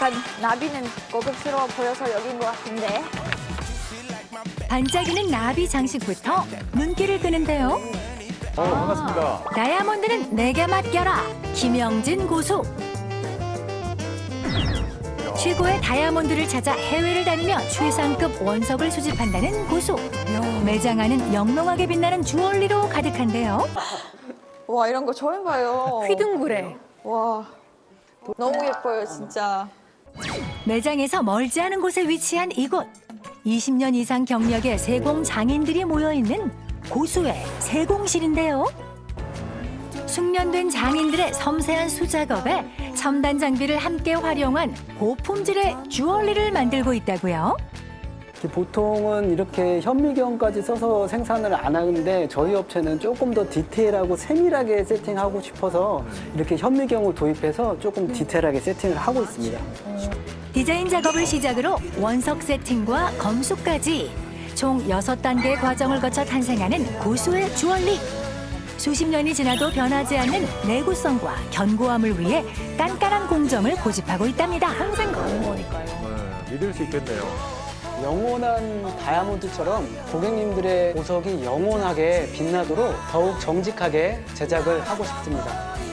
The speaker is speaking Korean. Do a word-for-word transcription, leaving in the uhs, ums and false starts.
약간 나비는 고급스러워 보여서 여긴 것 같은데. 반짝이는 나비 장식부터 눈길을 끄는데요. 어, 반갑습니다. 다이아몬드는 내게 맡겨라. 김영진 고수. 최고의 다이아몬드를 찾아 해외를 다니며 최상급 원석을 수집한다는 고수. 매장 안은 영롱하게 빛나는 주얼리로 가득한데요. 와, 이런 거 처음 봐요. 휘둥그레. 와, 너무 예뻐요, 진짜. 매장에서 멀지 않은 곳에 위치한 이곳. 이십 년 이상 경력의 세공 장인들이 모여 있는 고수의 세공실인데요. 숙련된 장인들의 섬세한 수작업에 첨단 장비를 함께 활용한 고품질의 주얼리를 만들고 있다고요. 보통은 이렇게 현미경까지 써서 생산을 안 하는데 저희 업체는 조금 더 디테일하고 세밀하게 세팅하고 싶어서 이렇게 현미경을 도입해서 조금 디테일하게 세팅을 하고 있습니다. 디자인 작업을 시작으로 원석 세팅과 검수까지 총 여섯 단계의 과정을 거쳐 탄생하는 고수의 주얼리. 수십 년이 지나도 변하지 않는 내구성과 견고함을 위해 깐깐한 공정을 고집하고 있답니다. 평생 가는 거니까요. 네, 믿을 수 있겠네요. 영원한 다이아몬드처럼 고객님들의 보석이 영원하게 빛나도록 더욱 정직하게 제작을 하고 싶습니다.